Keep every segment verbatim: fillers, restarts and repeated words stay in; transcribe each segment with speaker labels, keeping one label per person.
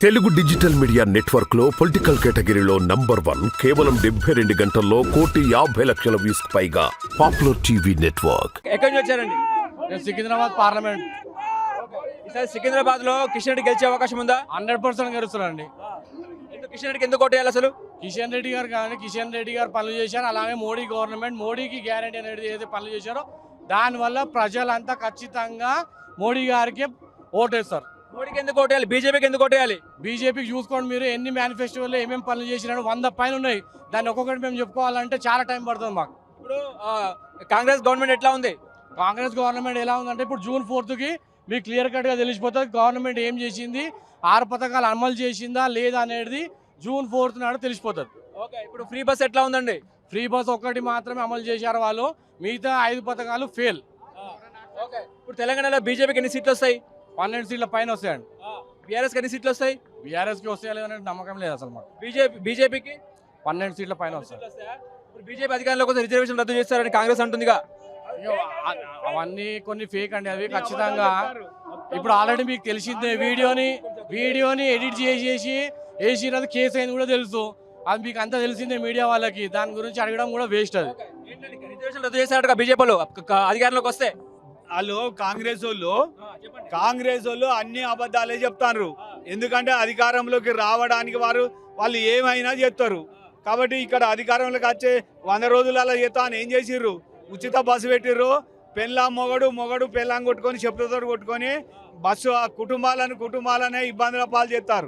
Speaker 1: Telugu digital media network లో political కేటగిరీలో number one కేవలం డెబ్బై రెండు గంటల్లో కోటి యాభై లక్షల వ్యూస్ పైగా పాపులర్ టీవీ నెట్వర్క్.
Speaker 2: ఎక్కడి నుంచి వచ్చారండి?
Speaker 3: సికింద్రాబాద్ పార్లమెంట్.
Speaker 2: ఈసారి సికింద్రాబాద్ లో కిషన్ రెడ్డి గెలిచే అవకాశం ఉందా?
Speaker 3: హండ్రెడ్ పర్సెంట్ గెలుస్తారండి.
Speaker 2: ఎందుకు కిషన్ రెడ్డికి ఎందుకు ఓటేయాలి అసలు?
Speaker 3: కిషన్ రెడ్డి గారు కానీ కిషన్ రెడ్డి గారు పనులు చేశారు, అలాగే మోడీ గవర్నమెంట్ మోడీకి గ్యారంటీ అనేది ఏదైతే పనులు చేశారో దానివల్ల ప్రజలంతా ఖచ్చితంగా మోడీ గారికి ఓటేస్తారు.
Speaker 2: మోడీకి ఎందుకు ఓటేయాలి? బీజేపీకి ఎందుకు ఓటేయాలి?
Speaker 3: బీజేపీకి చూసుకోండి, మీరు ఎన్ని మేనిఫెస్టోలో ఏమేమి పనులు చేసినాడు వంద పైన ఉన్నాయి. దాన్ని ఒక్కొక్కటి మేము చెప్పుకోవాలంటే చాలా టైం పడుతుంది మాకు.
Speaker 2: ఇప్పుడు కాంగ్రెస్ గవర్నమెంట్ ఎట్లా ఉంది?
Speaker 3: కాంగ్రెస్ గవర్నమెంట్ ఎలా ఉందంటే ఇప్పుడు జూన్ ఫోర్త్కి మీకు క్లియర్ కట్గా తెలిసిపోతుంది గవర్నమెంట్ ఏం చేసింది, ఆరు పథకాలు అమలు చేసిందా లేదా అనేది జూన్ ఫోర్త్ నాడు తెలిసిపోతుంది.
Speaker 2: ఓకే, ఇప్పుడు ఫ్రీ బస్ ఎట్లా ఉందండి?
Speaker 3: ఫ్రీ బస్ ఒక్కటి మాత్రమే అమలు చేశారు వాళ్ళు, మిగతా ఐదు పథకాలు ఫెయిల్.
Speaker 2: ఓకే, ఇప్పుడు తెలంగాణలో బీజేపీకి ఎన్ని సీట్లు వస్తాయి?
Speaker 3: పన్నెండు సీట్ల పైన వస్తాయండి.
Speaker 2: బీఆర్ఎస్కి ఎన్ని సీట్లు వస్తాయి?
Speaker 3: బీఆర్ఎస్కి వస్తాయా లేదనే నమ్మకం లేదు అసలు మాకు.
Speaker 2: బీజేపీ బీజేపీకి
Speaker 3: పన్నెండు సీట్ల పైన వస్తాయి.
Speaker 2: ఇప్పుడు బీజేపీ అధికారంలోకి వస్తే రిజర్వేషన్ రద్దు చేస్తారని కాంగ్రెస్ అంటుందిగా.
Speaker 3: అవన్నీ కొన్ని ఫేక్ అండి, అవి ఖచ్చితంగా. ఇప్పుడు ఆల్రెడీ మీకు తెలిసిందే, వీడియోని వీడియోని ఎడిట్ చేసేసి వేసినది కేసు అయింది కూడా తెలుసు. అది మీకు అంతా తెలిసిందే మీడియా వాళ్ళకి, దాని గురించి అడగడం కూడా వేస్ట్. అది
Speaker 2: రిజర్వేషన్ రద్దు చేస్తారట బీజేపీలో అధికారంలోకి వస్తే.
Speaker 4: వాళ్ళు కాంగ్రెస్ వాళ్ళు కాంగ్రెస్ వాళ్ళు అన్ని అబద్ధాలే చెప్తారు. ఎందుకంటే అధికారంలోకి రావడానికి వారు వాళ్ళు ఏమైనా చేస్తారు. కాబట్టి ఇక్కడ అధికారంలోకి వచ్చే వంద రోజులలో చేస్తా అని ఏం చేసిర్రు? ఉచిత బస్సు పెట్టిర్రు. పెళ్ళాం మొగడు మొగడు పెళ్ళాం కొట్టుకొని చెప్పులతో కొట్టుకొని బస్సు కుటుంబాలను కుటుంబాలనే ఇబ్బందుల పాలు చేస్తారు.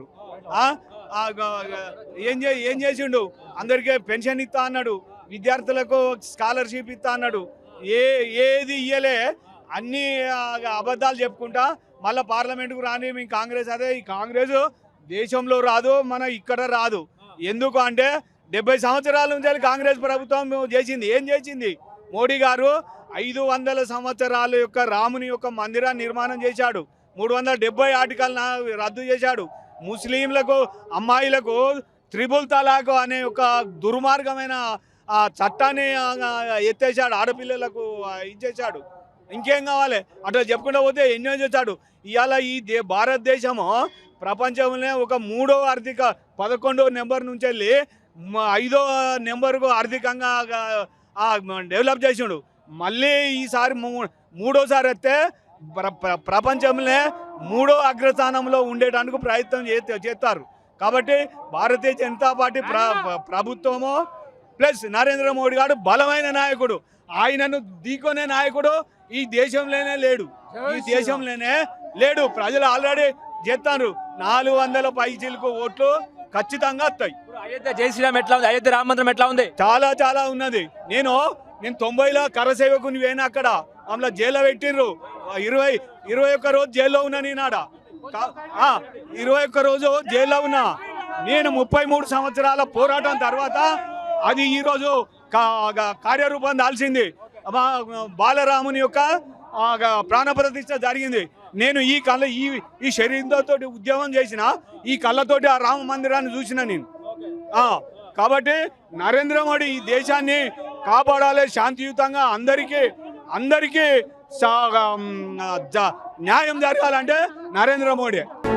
Speaker 4: ఏం చే ఏం చేసిండు? అందరికీ పెన్షన్ ఇస్తా అన్నాడు, విద్యార్థులకు స్కాలర్షిప్ ఇస్తా అన్నాడు. ఏ ఏది ఇయ్యలే, అన్ని అబద్ధాలు చెప్పుకుంటా మళ్ళీ పార్లమెంట్కు రాని మీ కాంగ్రెస్. అదే ఈ కాంగ్రెస్ దేశంలో రాదు, మన ఇక్కడ రాదు. ఎందుకు అంటే డెబ్బై సంవత్సరాల నుంచి కాంగ్రెస్ ప్రభుత్వం చేసింది ఏం చేసింది? మోడీ గారు ఐదు వందల సంవత్సరాల యొక్క రాముని యొక్క మందిరాన్ని నిర్మాణం చేశాడు. మూడు వందల డెబ్బై ఆర్టికల్ రద్దు చేశాడు. ముస్లింలకు అమ్మాయిలకు త్రిబుల్ తలాక్ అనే ఒక దుర్మార్గమైన ఆ చట్టాన్ని ఎత్తేసాడు, ఆడపిల్లలకు ఇచ్చేసాడు. ఇంకేం కావాలి? అట్లా చెప్పుకుంటూ పోతే ఎన్నో చేశాడు. ఇవాళ ఈ దే భారతదేశము ప్రపంచంలోనే ఒక మూడో ఆర్థిక పదకొండో నెంబర్ నుంచి వెళ్ళి ఐదో నెంబర్కు ఆర్థికంగా డెవలప్ చేసాడు. మళ్ళీ ఈసారి మూడోసారి వస్తే ప్రపంచంలో మూడో అగ్రస్థానంలో ఉండేటానికి ప్రయత్నం చేస్తారు. కాబట్టి భారతీయ జనతా పార్టీ ప్ర ప్రభుత్వము ప్లస్ నరేంద్ర మోడీ గారు బలమైన నాయకుడు. ఆయనను ఢీకొనే నాయకుడు ఈ దేశంలోనే లేడు, ఈ దేశంలోనే లేడు. ప్రజలు ఆల్రెడీ చేస్తారు. నాలుగు వందల పైచీలకు ఓట్లు ఖచ్చితంగా వస్తాయి.
Speaker 2: అయోధ్య జై శ్రీరామ్ ఎట్లా ఉంది? అయోధ్య రామ మందిరం ఎట్లా ఉంది?
Speaker 4: చాలా చాలా ఉన్నది. నేను నేను తొంభైలో కరసేవకుని పోయినా, అక్కడ అందులో జైల్లో పెట్టిర్రు. ఇరవై ఇరవై ఒక్క రోజు జైల్లో ఉన్నా. నేనాడ ఇరవై ఒక్క రోజు జైల్లో ఉన్నా. నేను ముప్పై మూడు సంవత్సరాల పోరాటం తర్వాత అది ఈరోజు కార్యరూపం దాల్చింది. బాలరాముని యొక్క ప్రాణప్రతిష్ఠ జరిగింది. నేను ఈ కళ్ళ ఈ ఈ శరీరంతో ఉద్యమం చేసిన, ఈ కళ్ళతోటి ఆ రామ మందిరాన్ని చూసిన నేను. కాబట్టి నరేంద్ర మోడీ ఈ దేశాన్ని కాపాడాలి, శాంతియుతంగా అందరికీ అందరికీ న్యాయం జరగాలంటే నరేంద్ర మోడీ.